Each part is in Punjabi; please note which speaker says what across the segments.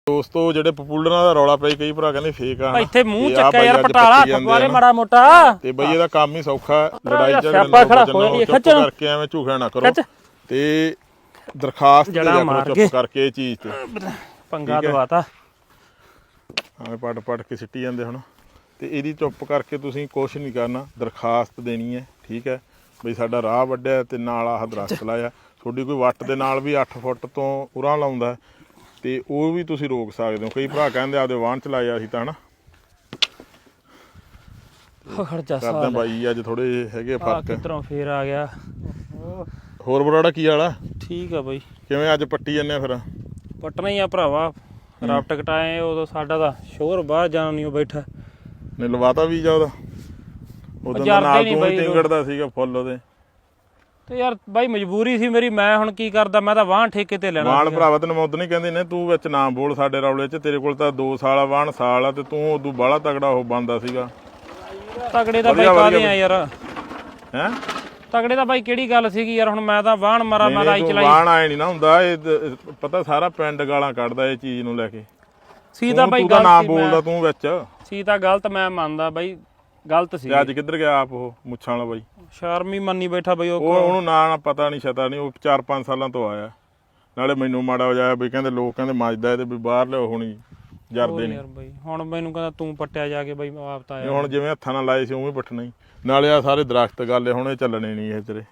Speaker 1: ਦੋਸਤੋ ਜਿਹੜੇ ਪਪੂਲਰਾਂ ਦਾ ਰੌਲਾ ਪਈ ਕਈ ਭਰਾ ਕਹਿੰਦੇ ਫੇਕ ਆ
Speaker 2: ਇੱਥੇ ਮੂੰਹ ਚੱਕਿਆ ਯਾਰ ਪਟਾਲਾ ਫਗਵਾਰੇ ਮਾੜਾ ਮੋਟਾ
Speaker 1: ਤੇ ਬਈ ਇਹਦਾ ਕੰਮ ਹੀ ਸੌਖਾ ਲੜਾਈ
Speaker 2: ਸਿਆਪਾ ਖੜਾ ਹੋਇਆ
Speaker 1: ਚੁੱਪ ਕਰਕੇ ਐਵੇਂ ਝੂਠਾ ਨਾ ਕਰੋ ਤੇ ਦਰਖਾਸਤ ਦੇ ਜਾ ਚੁੱਪ ਕਰਕੇ ਇਹ ਚੀਜ਼ ਤੇ
Speaker 2: ਪੰਗਾ ਦਵਾਤਾ
Speaker 1: ਐਵੇਂ ਪਟ ਕੇ ਸਿੱਟੀ ਜਾਂਦੇ ਹੁਣ ਤੇ ਇਹਦੀ ਚੁੱਪ ਕਰਕੇ ਤੁਸੀਂ ਕੁਛ ਨਹੀਂ ਕਰਨਾ ਦਰਖਾਸਤ ਦੇਣੀ ਹੈ ਠੀਕ ਹੈ ਬਈ ਸਾਡਾ ਰਾਹ ਵੱਢਿਆ ਤੇ ਨਾਲ ਆਹ ਦਰਖਤ ਲਾਇਆ ਤੁਹਾਡੀ ਕੋਈ ਵੱਟ ਦੇ ਨਾਲ ਵੀ 8 ਫੁੱਟ ਤੋਂ ਉਰਾਂ ਲਾਉਂਦਾ ਤੇ ਉਹ ਵੀ ਤੁਸੀਂ ਰੋਕ ਸਕਦੇ ਹੋ ਕਈ ਭਰਾ ਕਹਿੰਦੇ ਆਪਦੇ ਵਾਹਨ ਚਲਾਇਆ ਅਸੀਂ ਤਾਂ ਹਨਾ ਕਰਦੇ ਬਾਈ ਅੱਜ ਥੋੜੇ ਹੈਗੇ ਫਰਕ
Speaker 2: ਕਿਧਰੋਂ ਫੇਰ ਆ ਗਿਆ
Speaker 1: ਹੋਰ ਬਰਾੜਾ ਕੀ ਵਾਲਾ
Speaker 2: ਠੀਕ ਆ ਬਾਈ ਕਿਵੇਂ
Speaker 1: ਅੱਜ ਪੱਟੀ ਜਾਂਦੇ ਫਿਰ
Speaker 2: ਪੱਟਣਾ ਹੀ ਆ ਭਰਾਵਾ ਰਫਟ ਕਟਾਏ ਉਦੋਂ ਸਾਡਾ ਤਾਂ ਸ਼ੋਰ ਬਾਹਰ ਜਾਣ ਨਹੀਂ ਬੈਠਾ
Speaker 1: ਨੇ ਲਵਾਤਾ ਵੀਜ਼ਾ ਉਹਦਾ ਉਦੋਂ ਨਾਲ ਤੂੰ ਟਿੰਗੜਦਾ ਸੀਗਾ ਫੁੱਲ ਉਹਦੇ
Speaker 2: ਤੇ ਯਾਰ ਬਾਈ ਮਜਬੂਰੀ ਸੀ ਮੇਰੀ ਮੈਂ ਹੁਣ ਕੀ ਕਰਦਾ ਮੈਂ ਤਾਂ ਵਾਹਣ ਠੇਕੇ ਤੇ ਲੈਣਾ
Speaker 1: ਵਾਹਣ ਭਰਾਵਾ ਤੈਨੂੰ ਮੈਂ ਉਦੋਂ ਨਹੀਂ ਕਹਿੰਦੀ ਨੇ ਤੂੰ ਵਿੱਚ ਨਾ ਬੋਲ ਸਾਡੇ ਰੌਲੇ 'ਚ ਤੇਰੇ ਕੋਲ ਤਾਂ 2 ਸਾਲ ਆ ਵਾਹਣ ਸਾਲ ਆ ਤੇ ਤੂੰ ਉਦੋਂ ਬਾਹਲਾ ਤਗੜਾ ਉਹ ਬਣਦਾ ਸੀਗਾ
Speaker 2: ਤਗੜੇ ਤਾਂ ਬਾਈ ਕਾਹਦੇ ਆ ਯਾਰ
Speaker 1: ਹੈਂ
Speaker 2: ਤਗੜੇ ਤਾਂ ਬਾਈ ਕਿਹੜੀ ਗੱਲ ਸੀਗੀ ਯਾਰ ਹੁਣ ਮੈਂ ਤਾਂ ਵਾਹਣ ਮਾਰਾ ਮੈਂ ਆਈ ਚਲਾਈ
Speaker 1: ਵਾਹਣ ਆਏ ਨਹੀਂ ਨਾ ਹੁੰਦਾ ਇਹ ਪਤਾ ਸਾਰਾ ਪਿੰਡ ਗਾਲਾਂ ਕੱਢਦਾ ਇਹ ਚੀਜ਼ ਨੂੰ ਲੈ ਕੇ
Speaker 2: ਸੀ ਤਾਂ ਬਾਈ
Speaker 1: ਗਲਤ ਨਾ ਬੋਲਦਾ ਤੂੰ ਵਿੱਚ
Speaker 2: ਸੀ ਤਾਂ ਗਲਤ ਮੈਂ ਮੰਨਦਾ ਬਾਈ ਗਲਤ ਸੀ
Speaker 1: ਅੱਜ ਕਿੱਧਰ ਗਿਆ ਆਪ ਉਹ ਮੁੱਛਾਂ ਵਾਲਾ ਬਾਈ
Speaker 2: ਸ਼ਰਮੀ ਮੰਨੀ ਬੈਠਾ ਬਈ
Speaker 1: ਉਹਨੂੰ ਨਾ ਪਤਾ ਨਹੀਂ ਛਤਾ ਨਹੀਂ ਉਹ 4-5 ਸਾਲਾਂ ਤੋਂ ਆਇਆ ਨਾਲੇ ਮੈਨੂੰ ਮਾੜਾ ਹੋ ਜਾਇਆ ਬਈ ਕਹਿੰਦੇ ਲੋਕ ਕਹਿੰਦੇ ਮੱਜਦਾ ਤੇ ਵੀ ਬਾਹਰ ਲਿਓ ਹੁਣੀ ਜਰਦੇ ਨੇ
Speaker 2: ਬਈ ਹੁਣ ਮੈਨੂੰ ਕਹਿੰਦਾ ਤੂੰ ਪੱਟਿਆ ਜਾ ਕੇ ਬਈ ਆਪ ਤਾਂ ਆਇਆ
Speaker 1: ਹੁਣ ਜਿਵੇਂ ਹੱਥਾਂ ਨਾਲ ਲਾਏ ਸੀ ਉਵੇਂ ਪੱਟਣਾ ਹੀ ਨਾਲੇ ਆ ਸਾਰੇ ਦਰਖਤ ਗੱਲ ਹੁਣ ਇਹ ਚੱਲਣੇ ਨਹੀਂ ਇਹ ਤੇਰੇ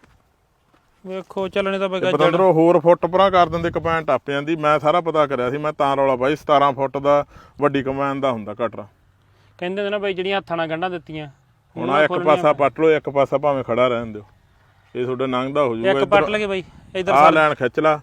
Speaker 2: ਵੇਖੋ ਚੱਲਣੇ ਤਾਂ ਬਈ
Speaker 1: ਪਤੰਦਰੋਂ ਹੋਰ ਫੁੱਟ ਪਰਾਂ ਕਰ ਦਿੰਦੇ ਕਪੈਨ ਟੱਪ ਜਾਂਦੀ ਮੈਂ ਸਾਰਾ ਪਤਾ ਕਰਿਆ ਸੀ ਮੈਂ ਤਾਂ ਰੌਲਾ ਬਾਈ 17 ਫੁੱਟ ਦਾ ਵੱਡੀ ਕਪੈਨ ਦਾ ਹੁੰਦਾ ਕਟਰਾ
Speaker 2: ਕਹਿੰਦੇ ਨੇ ਨਾ ਬਈ ਜਿਹੜੀਆਂ ਹੱਥਾਂ ਨਾਲ ਗੰਢਾਂ ਦਿੱਤੀਆਂ
Speaker 1: ਹੁਣ ਆ ਇੱਕ ਪਾਸਾ ਪੱਟ ਲਓ ਇੱਕ ਪਾਸਾ ਭਾਵੇਂ ਖੜਾ ਰਹਿਣ ਦਿਓ ਇਹ ਤੁਹਾਡਾ ਲੰਘਦਾ ਹੋ ਜਾਊਗਾ
Speaker 2: ਇੱਕ ਪੱਟ ਲਗੇ ਬਈ ਇਧਰ
Speaker 1: ਆਹ ਲੈਣ ਖਿੱਚ ਲਾ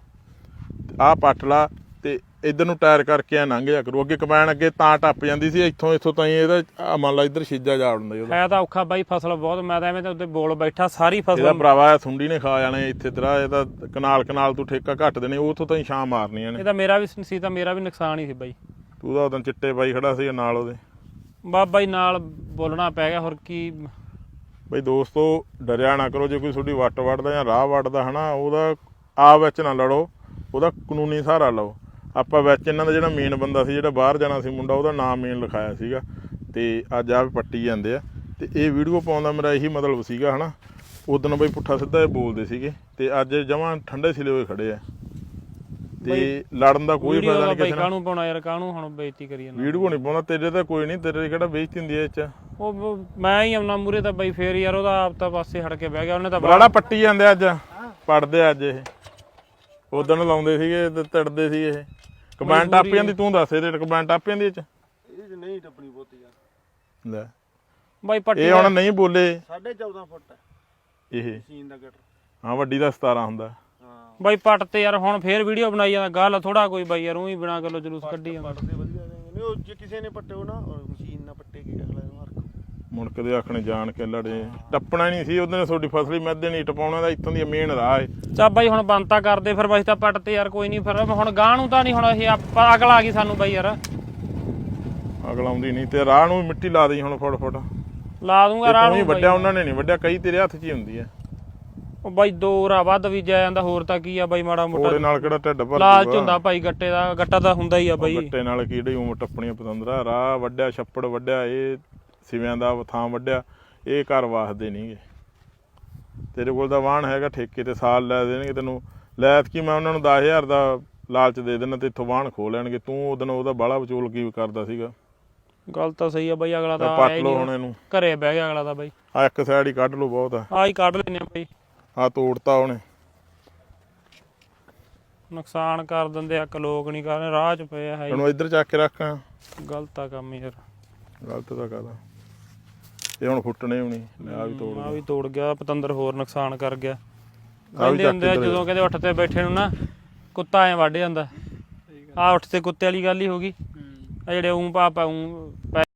Speaker 1: ਆਹ ਪੱਟ ਲਾ ਤੇ ਇਧਰ ਨੂੰ ਟਾਇਰ ਕਰਕੇ ਆ ਲੰਘ ਜਾ ਕਰੂ ਅੱਗੇ ਕਪੈਨ ਅੱਗੇ ਤਾਂ ਟੱਪ ਜਾਂਦੀ ਸੀ ਇੱਥੋਂ ਤਾਈਂ ਇਹਦਾ ਮੰਨ ਲਾ ਇਧਰ ਛਿੱਜਾ ਜਾ ਉੜਦਾ ਉਹਦਾ
Speaker 2: ਹੈ ਤਾਂ ਔਖਾ ਬਾਈ ਫਸਲ ਬਹੁਤ ਮੈਂ ਤਾਂ ਐਵੇਂ ਤਾਂ ਉੱਤੇ ਬੋਲ ਬੈਠਾ ਸਾਰੀ ਫਸਲ
Speaker 1: ਇਹਦਾ ਭਰਾਵਾ ਸੁੰਡੀ ਨੇ ਖਾ ਜਾਣੇ ਇੱਥੇ ਤੇਰਾ ਇਹ ਤਾਂ ਕਨਾਲ ਤੂੰ ਠੇਕਾ ਘੱਟ ਦੇਣੇ ਉੱਥੋਂ ਤਾਈਂ ਛਾਂ ਮਾਰਨੀਆਂ ਨੇ
Speaker 2: ਇਹ ਤਾਂ ਮੇਰਾ ਵੀ ਸੀ ਤਾਂ ਮੇਰਾ ਵੀ ਨੁਕਸਾਨ ਹੀ ਸੀ ਬਾਈ
Speaker 1: ਤੂੰ ਤਾਂ ਉਦੋਂ ਚਿੱਟੇ ਬਾਈ ਖੜਾ ਸੀ ਨਾਲ ਉਹਦੇ
Speaker 2: ਬਾਬਾ ਹੀ ਨਾਲ ਬੋਲਣਾ ਪੈ ਗਿਆ ਹੋਰ ਕੀ
Speaker 1: ਬਈ ਦੋਸਤੋ ਡਰਿਆ ਨਾ ਕਰੋ ਜੇ ਕੋਈ ਤੁਹਾਡੀ ਵੱਟ ਵੱਢਦਾ ਜਾਂ ਰਾਹ ਵੱਢਦਾ ਹਨਾ ਉਹਦਾ ਆਪ ਵਿੱਚ ਨਾ ਲੜੋ ਉਹਦਾ ਕਾਨੂੰਨੀ ਸਹਾਰਾ ਲਓ ਆਪਾਂ ਵਿੱਚ ਇਹਨਾਂ ਦਾ ਜਿਹੜਾ ਮੇਨ ਬੰਦਾ ਸੀ ਜਿਹੜਾ ਬਾਹਰ ਜਾਣਾ ਸੀ ਮੁੰਡਾ ਉਹਦਾ ਨਾਮ ਮੇਨ ਲਿਖਾਇਆ ਸੀਗਾ ਤੇ ਅੱਜ ਆਪ ਪੱਟੀ ਜਾਂਦੇ ਆ ਤੇ ਇਹ ਵੀਡੀਓ ਪਾਉਣ ਦਾ ਮੇਰਾ ਇਹੀ ਮਤਲਬ ਸੀਗਾ ਹਨਾ ਉਦੋਂ ਬਈ ਪੁੱਠਾ ਸਿੱਧਾ ਇਹ ਬੋਲਦੇ ਸੀਗੇ ਤੇ ਅੱਜ ਜਮਾਂ ਠੰਡੇ ਸਿਲੇ ਹੋਏ ਖੜੇ ਆ ਤੇ ਲੜਨ ਦਾ ਕੋਈ ਫਾਇਦਾ ਨਹੀਂ ਕਿਸੇ ਨਾਲ
Speaker 2: ਕਾਹਨੂੰ ਪਾਉਣਾ ਯਾਰ ਕਾਹਨੂੰ ਹੁਣ ਬੇਇੱਜ਼ਤੀ ਕਰੀ ਜਾਂਦਾ
Speaker 1: ਵੀਡੀਓ ਨਹੀਂ ਪਾਉਂਦਾ ਤੇਰੇ ਤਾਂ ਕੋਈ ਨਹੀਂ ਤੇਰੇ ਕਿਹੜਾ ਬੇਇੱਜ਼ਤੀ ਹੁੰਦੀ ਐ ਇਹ ਚ
Speaker 2: ਉਹ ਮੈਂ ਹੀ ਆਉਣਾ ਮੂਰੇ ਤਾਂ ਬਈ ਫੇਰ ਯਾਰ ਉਹਦਾ ਆਪ ਤਾਂ ਪਾਸੇ ਹਟ ਕੇ ਬਹਿ ਗਿਆ ਉਹਨੇ ਤਾਂ
Speaker 1: ਬੜਾ ਪੱਟੀ ਜਾਂਦੇ ਅੱਜ ਪੜਦੇ ਅੱਜ ਇਹ ਉਦੋਂ ਲਾਉਂਦੇ ਸੀਗੇ ਤੇ ਤੜਦੇ ਸੀ ਇਹ ਕਮੈਂਟ ਟੱਪ ਜਾਂਦੀ ਤੂੰ ਦੱਸ ਇਹਦੇ ਕਮੈਂਟ ਟੱਪ ਜਾਂਦੀ ਇਹ ਚ
Speaker 3: ਨਹੀਂ ਟੱਪਣੀ ਬਹੁਤੀ ਯਾਰ
Speaker 1: ਲੈ
Speaker 2: ਬਾਈ ਪੱਟੀ
Speaker 1: ਇਹ ਹੁਣ ਨਹੀਂ ਬੋਲੇ
Speaker 3: 14.5 ਫੁੱਟ ਹੈ
Speaker 1: ਇਹ
Speaker 3: ਮਸ਼ੀਨ ਦਾ ਗਟਰ
Speaker 1: ਹਾਂ ਵੱਡੀ ਦਾ 17 ਹੁੰਦਾ
Speaker 2: ਬਾਈ ਪੱਟ ਤੇ ਯਾਰ ਹੁਣ ਫੇਰ ਵੀਡੀਓ ਬਣਾਈ ਜਾਂਦਾ ਗੱਲ ਥੋੜਾ ਕੋਈ ਬਾਈ ਯਾਰ ਉਹੀ ਬਿਨਾ ਗੱਲੋਂ ਜਲੂਸ ਕੱਢੀ ਜਾਂਦਾ
Speaker 3: ਪੱਟਦੇ ਵਧੀਆ ਨਹੀਂ ਉਹ ਜੇ ਕਿਸੇ ਨੇ ਪੱਟੇ ਉਹ ਨਾ ਮਸ਼ੀਨ ਨਾਲ ਪੱਟੇ ਕੀ ਅਗਲਾ ਨੂੰ ਹਰਕ
Speaker 1: ਮੁੜਕਦੇ ਆਖਣੇ ਜਾਣ ਕੇ ਲੜੇ ਟੱਪਣਾ ਨਹੀਂ ਸੀ ਉਹਦੇ ਨੇ ਤੁਹਾਡੀ ਫਸਲੀ ਮਿੱਧੇ ਨਹੀਂ ਟਪਾਉਣਾ ਦਾ ਇੱਥੋਂ ਦੀ ਮੇਨ ਰਾਹ ਏ
Speaker 2: ਚਾ ਬਾਈ ਹੁਣ ਬੰਤਾ ਕਰਦੇ ਫਿਰ ਬਾਈ ਤਾਂ ਪੱਟ ਤੇ ਯਾਰ ਕੋਈ ਨਹੀਂ ਫਿਰ ਹੁਣ ਗਾਂ ਨੂੰ ਤਾਂ ਨਹੀਂ ਹੁਣ ਇਹ ਆਪਾਂ ਅਗਲ ਆ ਗਈ ਸਾਨੂੰ ਬਾਈ ਯਾਰ
Speaker 1: ਅਗਲ ਆਉਂਦੀ ਨਹੀਂ ਤੇ ਰਾਹ ਨੂੰ ਮਿੱਟੀ ਲਾ ਦੇਈ ਹੁਣ ਫੁੱਟ
Speaker 2: ਲਾ ਦੂੰਗਾ ਰਾਹ ਨੂੰ
Speaker 1: ਵੱਡਿਆ ਉਹਨਾਂ ਨੇ ਨਹੀਂ ਵੱਡਿਆ ਕਈ ਤੇਰੇ ਹੱਥ 'ਚ ਹੀ ਹੁੰਦੀ ਆ
Speaker 2: ਉਹ ਬਾਈ 2 ਰਾ ਵੱਧ ਵੀ ਜਾ ਜਾਂਦਾ ਹੋਰ ਤਾਂ ਕੀ ਆ ਬਾਈ ਮਾੜਾ ਮੋਟਾ
Speaker 1: ਉਹਦੇ ਨਾਲ ਕਿਹੜਾ ਢਿੱਡ ਭਰ
Speaker 2: ਲਾਲਚ ਹੁੰਦਾ ਭਾਈ ਗੱਟਾ ਤਾਂ ਹੁੰਦਾ ਹੀ ਆ ਬਾਈ
Speaker 1: ਗੱਟੇ ਨਾਲ ਕਿਹੜੀ ਉਮਰ ਟੱਪਣੀਆਂ ਪਤੰਦਰਾ ਰਾਹ ਵੱਡਿਆ ਛੱਪੜ ਵੱਡਿਆ ਇਹ ਸਿਵਿਆਂ ਦਾ ਥਾਂ ਵੱਡਿਆ ਇਹ ਘਰ ਵਾਸਦੇ ਨਹੀਂਗੇ ਤੇਰੇ ਕੋਲ ਤਾਂ ਵਾਹਣ ਹੈਗਾ ਠੇਕੇ ਤੇ ਸਾਲ ਲੈ ਦੇਣਗੇ ਤੈਨੂੰ ਲੈਤ ਕੀ ਮੈਂ ਉਹਨਾਂ ਨੂੰ 10,000 ਦਾ ਲਾਲਚ ਦੇ ਦੇਣਾ ਤੇ ਇੱਥੋਂ ਵਾਹਣ ਖੋ ਲੈਣਗੇ ਤੂੰ ਉਦੋਂ ਉਹਦਾ ਬਾਹਲਾ ਵਿਚੋਲ ਕੀ ਕਰਦਾ ਸੀਗਾ
Speaker 2: ਗੱਲ ਤਾਂ ਸਹੀ ਆ ਬਾਈ ਅਗਲਾ ਤਾਂ
Speaker 1: ਪੱਟ ਲਓ ਹੁਣ ਇਹਨੂੰ
Speaker 2: ਘਰੇ ਬਹਿ ਗਿਆ ਅਗਲਾ ਤਾਂ ਬਾਈ
Speaker 1: ਆ ਇੱਕ ਸਾਈਡ ਹੀ ਕੱਢ ਲਓ ਬਹੁਤ ਆ
Speaker 2: ਆਹ ਹੀ ਕੱਢ ਲੈਨੇ ਆ ਬਾਈ
Speaker 1: ਆ ਤੋੜਤਾ ਉਹਨੇ
Speaker 2: ਨੁਕਸਾਨ ਕਰ ਦਿੰਦੇ ਆ ਲੋਕ ਨਹੀਂ ਕਰਦੇ ਰਾਹ 'ਚ ਪਿਆ ਹੈ
Speaker 1: ਇਹਨੂੰ ਇੱਧਰ ਚੱਕ ਕੇ ਰੱਖ
Speaker 2: ਗਲਤ ਆ ਕੰਮ ਯਾਰ
Speaker 1: ਗਲਤ ਤਾਂ ਕਰਦਾ ਇਹ ਹੁਣ ਫੁੱਟਣੇ ਵੀ ਨਹੀਂ ਆ ਵੀ ਤੋੜ
Speaker 2: ਆ ਵੀ ਤੋੜ ਗਿਆ ਪਤੰਦਰ ਹੋਰ ਨੁਕਸਾਨ ਕਰ ਗਿਆ ਕਹਿੰਦੇ ਹੁੰਦੇ ਆ ਜਦੋਂ ਕਹਿੰਦੇ ਉੱਠ ਤੇ ਬੈਠੇ ਨੂੰ ਨਾ ਕੁੱਤਾ ਐ ਵੱਢ ਜਾਂਦਾ ਆ ਉੱਠ ਤੇ ਕੁੱਤੇ ਵਾਲੀ ਗੱਲ ਹੀ ਹੋ ਗਈ ਆ ਜਿਹੜੇ ਪਾਪਾ